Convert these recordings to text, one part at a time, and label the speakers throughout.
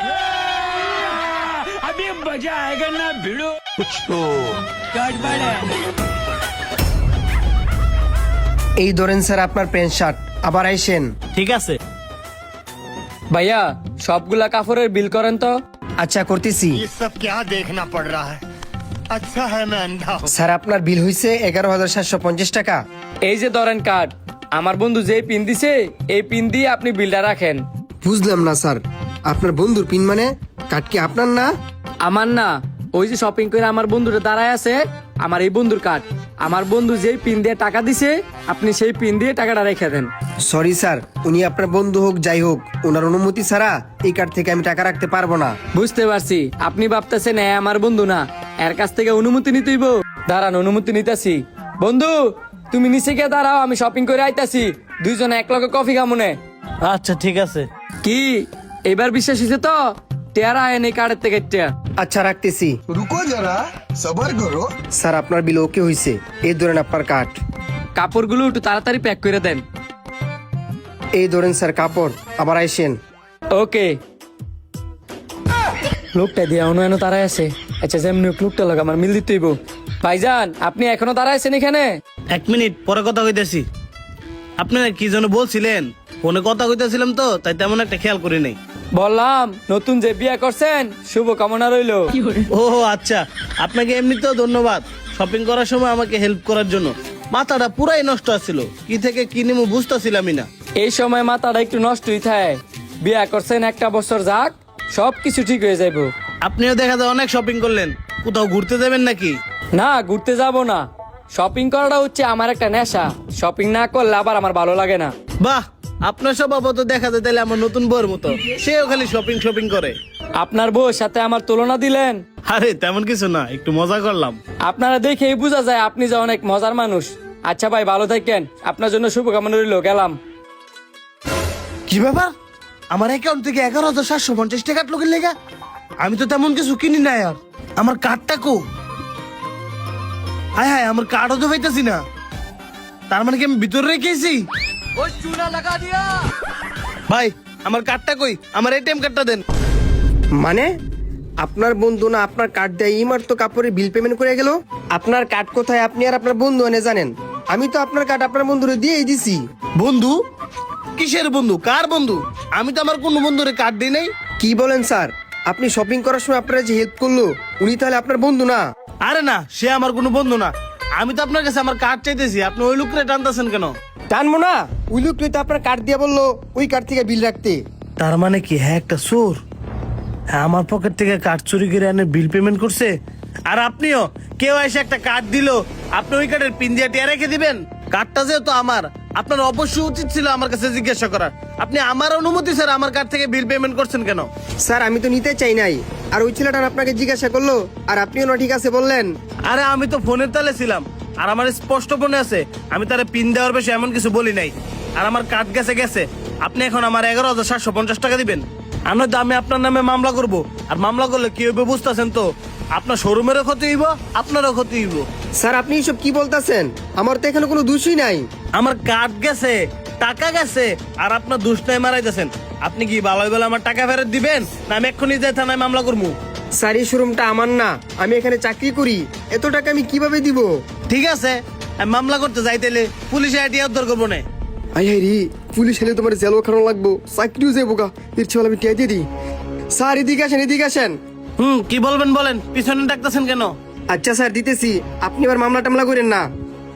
Speaker 1: अभी मजा आएगा ना भिड़ो कुछ तो
Speaker 2: এই ধরেন স্যার আপনার প্যান্ট শার্ট, আবার আইসেন।
Speaker 3: ঠিক আছে।
Speaker 4: ভাইয়া সবগুলা কাপড়ের বিল করেন তো।
Speaker 2: আচ্ছা করতেছি।
Speaker 5: ये सब क्या देखना पड़ रहा है? अच्छा है मैं अंधा हूँ।
Speaker 2: স্যার আপনার বিল হয়েছে 11,750 টাকা।
Speaker 4: এই যে ধরেন কার্ড, আমার বন্ধু যে পিন দিছে এই পিন দিয়ে আপনি বিলটা রাখেন।
Speaker 2: বুঝলাম না স্যার, আপনার বন্ধুর পিন মানে কার্ড কি আপনার না?
Speaker 4: আমার না, ওই যে শপিং করে আমার বন্ধুটা দাঁড়ায় আছে, আমার এই বন্ধুর কার্ড। আমার বন্ধু যেই পিন দিয়ে টাকা দিছে আপনি সেই পিন দিয়ে টাকাটা রেখে দেন।
Speaker 2: সরি স্যার, উনি আপনার বন্ধু হোক যাই হোক, ওনার অনুমতি ছাড়া এই কার্ড থেকে আমি টাকা রাখতে পারবো না।
Speaker 4: বুঝতে পারছি আপনি ভাবতেছেন এ আমার বন্ধু না, এর কাছ থেকে অনুমতি নিতেইব। দাঁড়ান অনুমতি নিতেছি। বন্ধু তুমি নিচে গিয়ে দাঁড়াও, আমি শপিং করে আইতাছি, দুইজনে এক লগে কফি খামুনে।
Speaker 3: আচ্ছা ঠিক আছে।
Speaker 4: কি এবার বিশ্বাস হয়েছে তো? টেরা আয়েন এই কার্ডের থেকে টেয়া।
Speaker 2: আচ্ছা রাখতেছি।
Speaker 6: रुको जरा सबर करो।
Speaker 2: স্যার আপনার বিল ওকে হয়েছে, এই ধরেন আপনার কার্ড।
Speaker 4: কাপড়গুলো একটু তাড়াতাড়ি প্যাক করে দেন।
Speaker 2: এই ধরেন স্যার কাপড়, আবার আইসেন।
Speaker 4: ওকে। লোকটা দিয়ে এনো দাঁড়ায় আছে। আচ্ছা যেমনি হোক লোকটা লোক আমার মিল দিতেইব। ভাইজান আপনি এখনো দাঁড়ায় আছেন এখানে?
Speaker 3: 1 মিনিট পরে কথা কইতেছি। আপনারা কি যেন বলছিলেন? ফোনে কথা কইতেছিলাম তো, তাই তেমন একটা খেয়াল করি নাই।
Speaker 4: বললাম নতুন যে বিয়ে করছেন শুভ কামনা রইলো।
Speaker 3: ও আচ্ছা, আপনাকে এমনিতেও ধন্যবাদ শপিং করার সময় আমাকে হেল্প করার জন্য। মাথাটা পুরাই নষ্ট আছিল, কি থেকে কি নিমু বুঝতেছিলামই না।
Speaker 4: এই সময় মাথাটা একটু নষ্টই থাকে। বিয়ে করছেন একটা বছর যাক, সব কিছু ঠিক হয়ে যাইব।
Speaker 3: আপনিও দেখা যায় অনেক শপিং করলেন, কোথাও ঘুরতে যাবেন নাকি?
Speaker 4: না ঘুরতে যাব না, শপিং করাটা হচ্ছে আমার একটা নেশা। শপিং না করলে আবার আমার ভালো লাগে না।
Speaker 3: বাহ, আপনার স্বভাব তো দেখা যায় তাহলে আমার নতুন বউর মতো, সেও খালি শপিং শপিং করে।
Speaker 4: আপনার বউর সাথে আমার তুলনা দিলেন?
Speaker 3: আরে তেমন কিছু না, একটু মজা করলাম।
Speaker 4: আপনারা দেখেই বোঝা যায় আপনি যে অনেক মজার মানুষ। আচ্ছা ভাই ভালো থাকেন, আপনার জন্য শুভকামনা রইল, গেলাম।
Speaker 3: কি ব্যাপার, আমার অ্যাকাউন্ট থেকে 11,750 টাকা লোকের লেগা? আমি তো তেমন কিছু কিনি না। আর আমার কার্ডটা কো? হায় হায়, আমার কার্ডও তো পাইতেছি না। তার মানে কি আমি ভিতরে রেখেছি? ভাই আমার কার্ডটা কই? আমার এটিএম কার্ডটা দেন।
Speaker 2: মানে আপনার বন্ধু না আপনার কার্ড দিয়ে ইমার তো কাপড়ের বিল পেমেন্ট করে গেল। আপনার কার্ড কোথায় আপনি আর আপনার বন্ধু এনে জানেন? আমি তো আপনার কার্ড আপনার বন্ধুরে দিয়েই দিছি।
Speaker 3: বন্ধু? কিসের বন্ধু? কার বন্ধু? আমি তো আমার কোনো বন্ধুরে কার্ড দিই নাই।
Speaker 2: কি বলেন স্যার? আপনি শপিং করার সময় আপনারা যে হেল্প করলো উনি তাহলে আপনার বন্ধু না?
Speaker 3: আরে না, সে আমার কোনো বন্ধু না। আমি তো আপনার কাছে আমার কার্ড চাইতেছি, আপনি ওই লোকরে টানতেছেন কেন?
Speaker 2: টানবো না, ওই লোক তো আপনার কার্ড দিয়ে বললো ওই কার্ড থেকে বিল রাখতে।
Speaker 3: তার মানে কি হ্যাঁ একটা চোর? হ্যাঁ, আমার পকেট থেকে কার্ড চুরি করে এনে বিল পেমেন্ট করছে। আর আপনিও কেউ এসে একটা কার্ড দিল, আপনি ওই কার্ডের পিন দিয়ে টিয়া রেখে দিবেন? কার্ডটা যেহেতু আমার, আপনার অবশ্যই উচিত ছিল আমার কাছে জিজ্ঞাসা করার। আপনি আমার অনুমতি স্যার আমার কার্ড থেকে বিল পেমেন্ট করছেন কেন?
Speaker 2: স্যার আমি তো নিতে চাই নাই, আর ওই ছেলেটা আপনাকে জিজ্ঞাসা করলো আর আপনিও না ঠিক আছে বললেন।
Speaker 3: আরে আমি তো ফোনের তালে ছিলাম, আর আমার স্পষ্ট মনে আছে আমি তারে পিন দেওয়ার বেশি এমন কিছু বলি নাই। আর আমার কার্ড গেছে গেছে, আপনি এখন আমার 11,750 টাকা দিবেন। আর নয়তো আমি আপনার নামে মামলা করব। আর মামলা করলে কি হবে বুঝতেছেন তো? আপনার শোরুমেরও ক্ষতি হইব, আপনারও ক্ষতি হইব।
Speaker 2: স্যার আপনি এসব কি বলতেছেন? আমার তো এখানে কোনো দোষই নাই।
Speaker 3: আমার কার্ড গেছে, টাকা গেছে, আর আপনার দুষ নাই মারাইতেছেন। আপনি কি ভালোই বলে আমার টাকা ফেরত দিবেন, না আমি এক্ষুনি যাই থানায় মামলা করবো?
Speaker 2: স্যার এই শোরুমটা আমার না, আমি এখানে চাকরি করি, এত টাকা আমি কিভাবে দিব?
Speaker 3: ঠিক আছে, আমি মামলা করতে যাইতেলে পুলিশে আইডিয়া উদ্ধার করবো না।
Speaker 2: আই হাই রে, পুলিশ এলে তোমার জেলও খারাপ লাগবো, চাকরিও যাবো গা। এর চেয়ে ভালো আমি টিয়া দিয়ে দিই। স্যার এদিকে আসেন, এদিকে আসেন।
Speaker 3: কি বলবেন বলেন, পিছনে ডাকতেছেন কেন?
Speaker 2: আচ্ছা স্যার দিতেছি, আপনি আবার মামলা টামলা করেন না।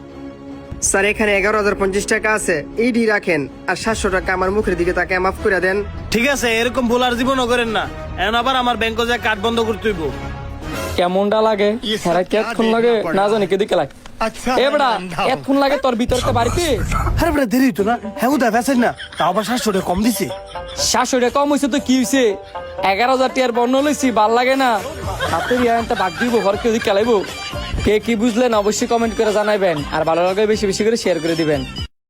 Speaker 2: স্যার এখানে 11,050 টাকা আছে, এইডি রাখেন, আর 700 টাকা আমার মুখের দিকে তাকে মাফ করে দেন।
Speaker 3: ঠিক আছে, এরকম ভুল আর জীবনও করেন না। এখন আবার আমার ব্যাংকে যায় কার্ড বন্ধ করতে হইব।
Speaker 4: কেমনটা লাগে? হ্যাঁ কেতক্ষণ লাগে না জানি, কেদিকে লাগে।
Speaker 5: अच्छा
Speaker 4: এ
Speaker 5: है
Speaker 4: বেড়া
Speaker 5: मैं अंधा हूँ।
Speaker 4: এতক্ষণ লাগে তোর ভিতরতে বাড়িতে?
Speaker 3: আরে বেটা দেরি তো না, হ্যাঁ উদা বেছেন না, তাও আবার 700 টাকা কম দিছে।
Speaker 4: 700 টাকা কম হয়েছে তো কি হয়েছে? 11,000 টাকার বর্ণ লইছি, ভাল লাগে না? হাতে রিয়ানটা বাদ দিব, ঘর কেউ খেলাইবো। কে কি বুঝলেন অবশ্যই কমেন্ট করে জানাবেন, আর ভালো লাগে বেশি বেশি করে শেয়ার করে দিবেন।